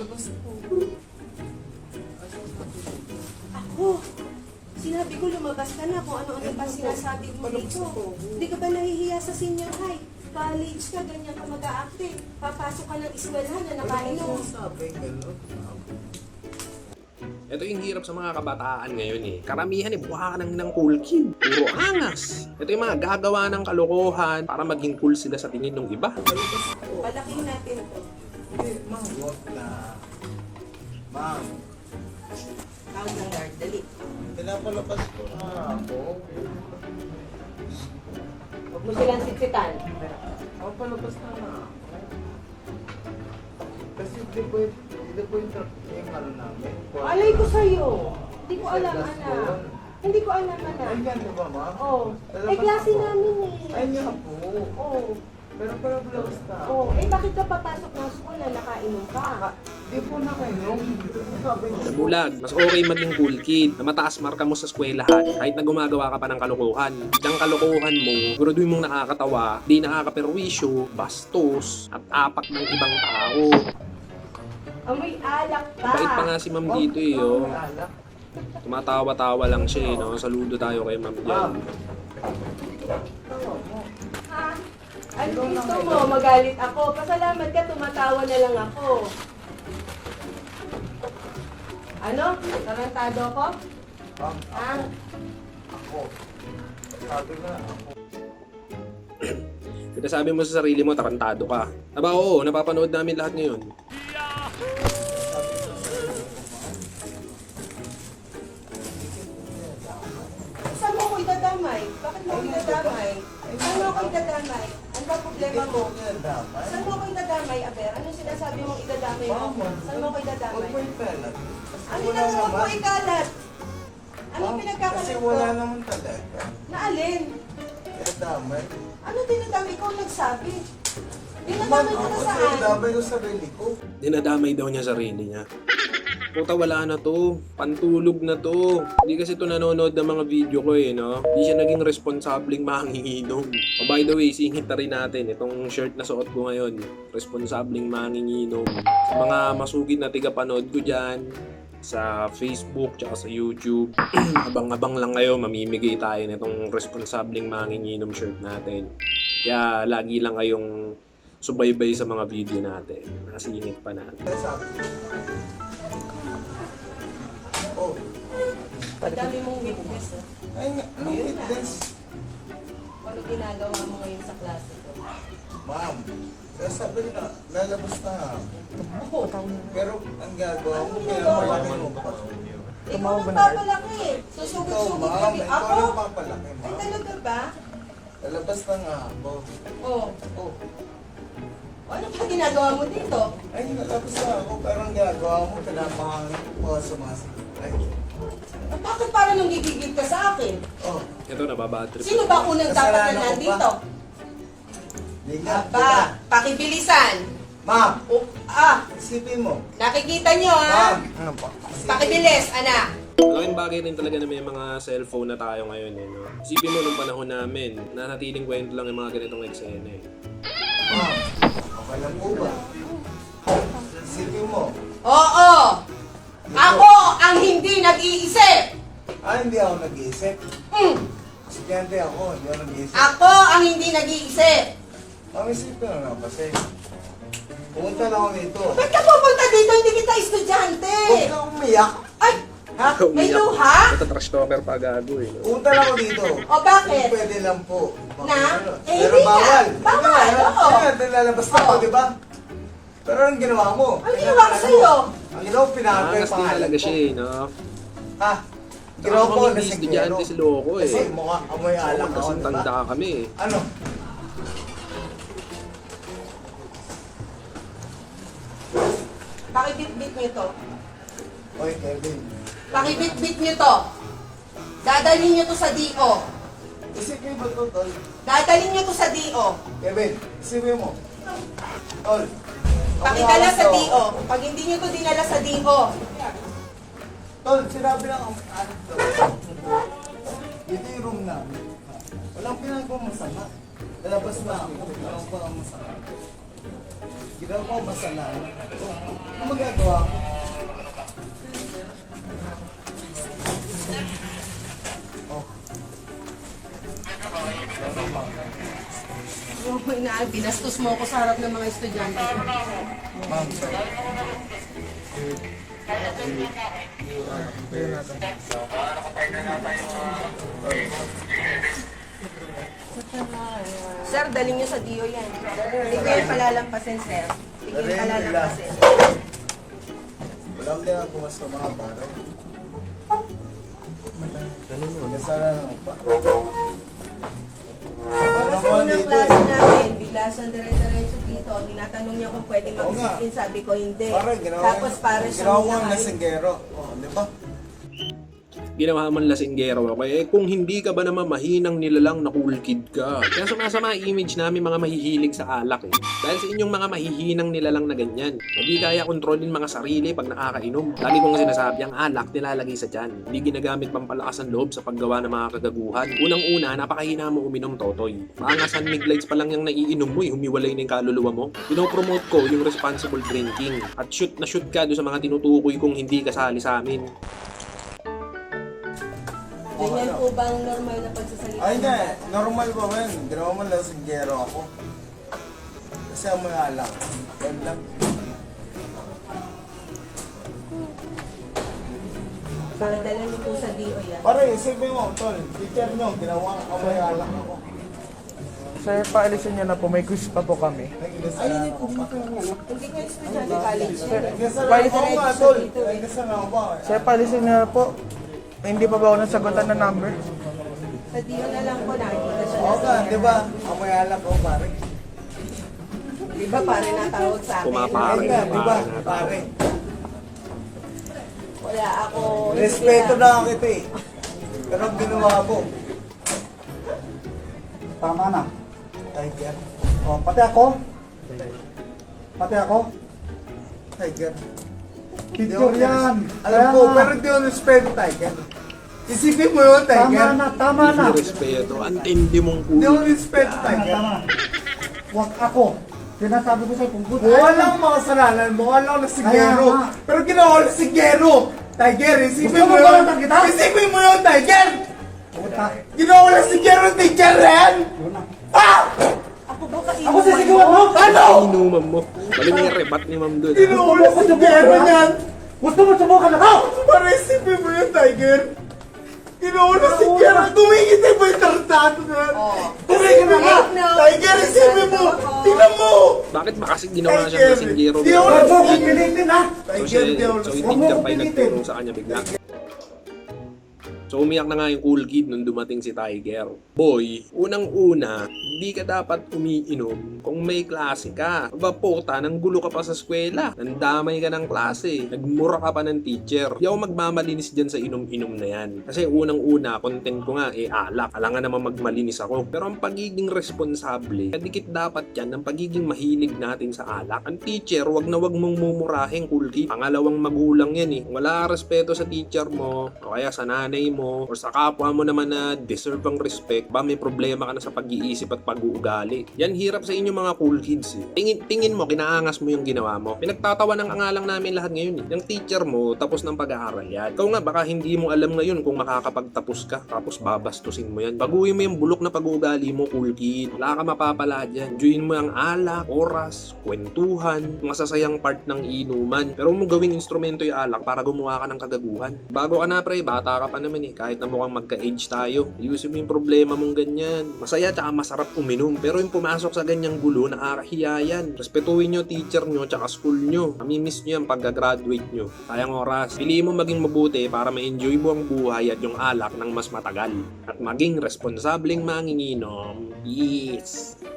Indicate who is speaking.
Speaker 1: Palabas po.
Speaker 2: Ako, sinabi ko lumabas ka na kung ano-ano pa sinasabi mo dito. Hindi ka ba nahihiya sa senior high? College ka, ganyan ka mag-a-active. Papasok ka ng eskwelahan na nakainom.
Speaker 1: Sabi, gano'n.
Speaker 3: Ito yung hirap sa mga kabataan ngayon eh. Karamihan buha ka ng cool kid. Puro angas. Ito yung mga gagawa ng kalokohan para maging cool sila sa tingin ng iba.
Speaker 1: Palabas po.
Speaker 2: Palaking natin to.
Speaker 1: Hindi, ma'am, wag na. Ma'am,
Speaker 2: Tawag ng guard, dali.
Speaker 1: pinapalabas ko na ako.
Speaker 2: Huwag mo silang siksitan.
Speaker 1: Palabas na ako. Kasi hindi po yung ano namin.
Speaker 2: Alay ko sa'yo. Hindi ko alam, anak. Hindi ko alam,
Speaker 1: Ay,
Speaker 2: anak.
Speaker 1: yan, di ba, ma'am?
Speaker 2: Oh. Eh, klase namin eh.
Speaker 1: Ay, nga po.
Speaker 2: Oh.
Speaker 1: Pero palabas na.
Speaker 2: Oh. Eh, bakit ka papasok ng school na nakainom ka?
Speaker 1: Di po na kayo. Sabi niyo.
Speaker 3: Bulag, mas okay maging cool kid na mataas marka mo sa eskwelahan kahit na gumagawa ka pa ng kalokohan. Ang kalokohan mo, siguraduhin mong nakakatawa, di nakakaperwisyo, bastos, at apak ng ibang tao.
Speaker 2: Amoy alak ka.
Speaker 3: Bait pa nga si ma'am dito eh, oh.
Speaker 1: Alak.
Speaker 3: Tumatawa-tawa lang siya eh, no? Saludo tayo kay ma'am dyan.
Speaker 1: Tawa mo.
Speaker 2: Ha? Ano gusto mo? Magalit ako. Pasalamat ka, tumatawa na lang ako. Ano? Tarantado ko?
Speaker 1: Ma'am,
Speaker 2: Ha?
Speaker 1: ako. Sabi nga ako.
Speaker 3: Kita sabi mo sa sarili mo, tarantado ka. Aba oo, napapanood namin lahat ngayon.
Speaker 2: Saan mo ako idadamay? Bakit mo ako idadamay? Saan mo ako idadamay? Ano ba problema mo? Saan mo ako idadamay, Aber? Anong sinasabi mong idadamay mo? Saan mo ako
Speaker 1: Huwag
Speaker 2: idadamay?
Speaker 1: mo ipalat.
Speaker 2: Ano na mo ko ikalat? Anong
Speaker 1: Kasi
Speaker 2: pinagkakalat ko?
Speaker 1: wala naman talaga.
Speaker 2: Naalin?
Speaker 1: Kaya damay.
Speaker 2: Ano dinadamay? Ikaw nagsabi.
Speaker 1: Ma'am,
Speaker 2: Dinadamay ko
Speaker 1: ako
Speaker 2: na
Speaker 1: kasi
Speaker 2: saan?
Speaker 1: damay ko sarili ko.
Speaker 3: Dinadamay daw niya sarili niya. Puta, wala na to. Pantulog na to. Hindi kasi to nanonood ng mga video ko eh, no? Hindi siya naging responsableng manginginom. Oh, by the way, singit na rin natin. Itong shirt na suot ko ngayon, responsableng manginginom. Sa mga masugid na tigapanood ko dyan, sa Facebook, tsaka sa YouTube, abang-abang lang kayo, mamimigay tayo nitong responsableng manginginom shirt natin. Kaya lagi lang kayong subaybay sa mga video natin. Nasingit pa natin.
Speaker 1: Kaya sabi ko, oh,
Speaker 2: Ang dami mong witness.
Speaker 1: ay nga, anong witness?
Speaker 2: Ano ginagawa mo ngayon sa klase ko?
Speaker 1: Ma'am, kaya sabi na, lalabas na ako. Pero ang gagawa mo,
Speaker 2: Anong
Speaker 1: kaya
Speaker 2: ginagawa
Speaker 1: malaki
Speaker 2: mo?
Speaker 1: mo pa.
Speaker 2: Ikaw nagpapalaki eh.
Speaker 1: Ikaw,
Speaker 2: Susugod-sugod
Speaker 1: ma'am,
Speaker 2: kami.
Speaker 1: ikaw
Speaker 2: Ako?
Speaker 1: lang papalaki,
Speaker 2: Ay,
Speaker 1: ma'am.
Speaker 2: talaga ba?
Speaker 1: Lalabas na nga ako.
Speaker 2: Oo.
Speaker 1: Oh,
Speaker 2: Ano pa ginagawa mo dito?
Speaker 1: ay, lalabas na ako, pero ang gagawa mo, pinapangangin ko sumasagot. Ay,
Speaker 2: Bakit parang nung gigigil ka sa akin?
Speaker 1: oh,
Speaker 3: Ito, nababatrip.
Speaker 2: Sino ba unang dapat
Speaker 1: Kasalanan
Speaker 2: na
Speaker 1: ko
Speaker 2: nandito?
Speaker 1: di nga,
Speaker 2: Aba, pakibilisan.
Speaker 1: Ma'am, isipin mo.
Speaker 2: Nakikita nyo ha?
Speaker 1: Ma'am, ano pa?
Speaker 2: Pakibilis, anak.
Speaker 3: Malaking bagay rin talaga na may mga cellphone na tayo ngayon. Eh, no? Isipin mo nung panahon namin, nanatiling kwento lang yung mga ganitong eksena. Eh.
Speaker 1: Ma'am, okay lang po ba? Isipin mo.
Speaker 2: Oo! Ako ang hindi nag-iisip!
Speaker 1: Hindi ako nag-iisip.
Speaker 2: Mm.
Speaker 1: Estudyante ako, hindi ako nag-iisip.
Speaker 2: Ako ang hindi nag-iisip!
Speaker 1: Ma'am, isipin mo na kasi. Pumunta na ako dito.
Speaker 2: Ba't ka pupunta dito? Hindi kita estudyante!
Speaker 1: Huwag kang umiyak.
Speaker 2: Ay!
Speaker 1: Ha?
Speaker 2: May luha?
Speaker 3: Ito trash talker pa gago eh. No?
Speaker 1: Pumunta na ako dito.
Speaker 2: O bakit?
Speaker 1: Pwede lang po.
Speaker 2: Na? Eh,
Speaker 1: Pero
Speaker 2: hindi nga.
Speaker 1: bawal.
Speaker 2: Bawal, oo.
Speaker 1: Kaya lalabas na ako,
Speaker 2: Oo.
Speaker 1: di ba? Pero anong ginawa mo?
Speaker 2: Ang ginawa ko sa'yo?
Speaker 1: Ang ginawa ko, pinakagay
Speaker 3: Angas din
Speaker 1: pangalan
Speaker 3: talaga
Speaker 1: ko.
Speaker 3: siya eh, no?
Speaker 1: Ha? Ginawa ko
Speaker 3: Ako
Speaker 1: na
Speaker 3: hindi
Speaker 1: si
Speaker 3: estudyante si Loko eh.
Speaker 1: Kasi mukha amoy alak ako,
Speaker 3: Kasing
Speaker 1: di
Speaker 3: tanda
Speaker 1: ba?
Speaker 3: kami eh.
Speaker 1: Ano?
Speaker 2: Pakibit-bit nyo to.
Speaker 1: Oy, Kevin.
Speaker 2: Pakibit-bit nyo to. Dadalhin nyo to sa DO.
Speaker 1: Isipin mo to, Tol.
Speaker 2: Dadalhin nyo to sa DO.
Speaker 1: Kevin, isipin mo. Tol.
Speaker 2: Pakidala sa DO. Pag hindi nyo to dinala sa DO,
Speaker 1: Tol, sinabi lang ang anak to. Ito yung room namin. Walang pinagawa masama. Lalabas na ako. Walang pa ang masama. Ginawa ko masalanan. Ano magagawa ko? Oh.
Speaker 2: Binastos mo ako sa harap ng mga estudyante.
Speaker 1: Ma'am, sir.
Speaker 2: Sir, daling niyo sa DO yan. Hindi ko yan palalampasin, sir. Hindi ko yan palalampasin.
Speaker 1: Walang din ako mas sa mga baro. Nasara naman pa.
Speaker 2: Para sa unang klase namin, bigla siyang dire-diretso dito. Tinatanong niya kung pwede mag-sit-in, sabi ko hindi. Tapos para siyang
Speaker 1: ginawa ko ang lasinggero. Oh, di ba?
Speaker 3: Ginawa man lasinggero ako. Eh kung hindi ka ba naman mahinang nilalang na cool kid ka. Kaya sumasama ang image namin mga mahihilig sa alak eh. Dahil sa inyong mga mahihinang nilalang na ganyan. Hindi kaya kontrolin mga sarili pag nakakainom. Lagi kong sinasabi, ang alak nilalagay sa tiyan. Hindi ginagamit pampalakas ng loob sa paggawa ng mga kagaguhan. Unang-una, napakahina mo uminom, Totoy. Mga San Miglites pa lang yung naiinom mo eh. Humiwalay na yung kaluluwa mo. Pinopromote ko yung responsible drinking. At shoot na shoot ka doon sa mga tinutukoy kung hindi kasali sa amin.
Speaker 2: Ganyan po bang normal na pagsasalita?
Speaker 1: Ay, hindi. Normal pa ba yun? Ginawa mo lasinggero ako. Kasi ang mga alak. Yan lang.
Speaker 2: Dala niyo po sa DO yan.
Speaker 1: Pare, isipin mo, tol. Teacher nyo, ginawa ko may alak ako.
Speaker 4: Sir, paalisin niyo na po. May quiz pa po kami.
Speaker 1: Nag-inasara ako pa.
Speaker 2: Hindi nga estudyante college yan.
Speaker 1: Nag-inasara ako ba, tol? Nag-inasara ako ba?
Speaker 4: Sir, paalisin niyo na po. Hindi pa ba ako nasagutan ng number?
Speaker 2: Sa DO na lang po nakikita siya.
Speaker 1: Oo ka, di ba? Ako may alak ko, pare.
Speaker 2: Di ba pare natawag sa akin?
Speaker 3: Pumapare.
Speaker 1: Ay ka, di ba? Pare.
Speaker 2: Wala ako.
Speaker 1: Respeto na kita eh. Pero ang ginawa mo.
Speaker 4: Tama na.
Speaker 1: Tiger.
Speaker 4: O, pati ako. Pati ako.
Speaker 1: Tiger.
Speaker 4: Picture yan.
Speaker 1: Alam ko, pero di ako respeto, Tiger. Isipin mo yun, Tiger.
Speaker 4: Tama na.
Speaker 3: Hindi respeto. Antindi mong
Speaker 1: Di ako
Speaker 3: cool.
Speaker 1: respeto, Tiger.
Speaker 4: Huwag ako. Sinasabi ko sa'yo kung good.
Speaker 1: Walang mga kasalanan mo, walang lasinggero.
Speaker 4: Kaya nga.
Speaker 1: Pero ginawa ko lasinggero. Tiger, isipin
Speaker 4: Gusto
Speaker 1: mo
Speaker 4: mo
Speaker 1: yun.
Speaker 4: balatan kita?
Speaker 1: Isipin mo yun, Tiger.
Speaker 4: Puta.
Speaker 1: Ginawa ko lasinggero, teacher yan.
Speaker 4: Yun na.
Speaker 1: Ah!
Speaker 2: Ako ba kainuman
Speaker 4: Ako sisigawan mo?
Speaker 1: Ano?
Speaker 3: Inuman mo. Bali mo yung rebat ni ma'am doon.
Speaker 1: Ginawa ko lasinggero yan.
Speaker 4: Gusto mo subukan ako?
Speaker 1: Para isipin mo yun, Tiger. Ginawa ko lasinggero. Tumingin tayo ba yung tartado na yan? Tumingin na nga. Tiger, isipin mo. Tingnan mo.
Speaker 3: Bakit ba kasi ginawa siyang lasinggero?
Speaker 1: Di ako
Speaker 4: Huwag mo
Speaker 1: lasinggero.
Speaker 4: pipilitin ha?
Speaker 1: Tiger, di ako
Speaker 3: So
Speaker 1: lasinggero.
Speaker 3: itig ka pa'y nagtulong sa kanya bigla. So umiyak na nga yung cool kid nung dumating si Tiger. Boy, unang-una, hindi ka dapat umiinom kung may klase ka. Aba puta, nang gulo ka pa sa eskwela. Nandamay ka ng klase. Nagmura ka pa ng teacher. Di ako magmamalinis dyan sa inom-inom na yan. Kasi unang-una, content ko nga alak. Alangan naman magmalinis ako. Pero ang pagiging responsable, kadikit dapat yan ng pagiging mahilig natin sa alak. Ang teacher, wag na wag mong mumurahin, cool kid. Pangalawang magulang yan eh. Wala ka respeto sa teacher mo, o kaya sa nanay mo, or sa kapwa mo naman na deserve ang respect, ba may problema ka na sa pag-iisip at pag-uugali. Yan hirap sa inyo mga cool kids eh. Tingin mo, kinaangas mo yung ginawa mo. Pinagtatawa ng angalang namin lahat ngayon eh. Yung teacher mo, tapos ng pag-aaral yan. Ikaw nga, baka hindi mo alam ngayon kung makakapagtapos ka, tapos babastusin mo yan. Baguhin mo yung bulok na pag-uugali mo, cool kid. Wala ka mapapala dyan. Enjoyin mo ang alak, oras, kwentuhan, masasayang part ng inuman. Pero mo gawing instrumento yung alak para gumawa ka ng kagaguhan. Bago ka na pre, bata ka pa naman eh. Kahit na mukhang magka-age tayo. Ayusin mo yung problema mong ganyan. Masaya tsaka masarap uminom. Pero yung pumasok sa ganyang gulo, nakakahiya yan. Respetuhin nyo teacher nyo tsaka school nyo. Mamimiss nyo yan pagka-graduate nyo. Sayang oras. Piliin mo maging mabuti para ma-enjoy mo ang buhay at yung alak ng mas matagal. At maging responsableng manginginom. Yes!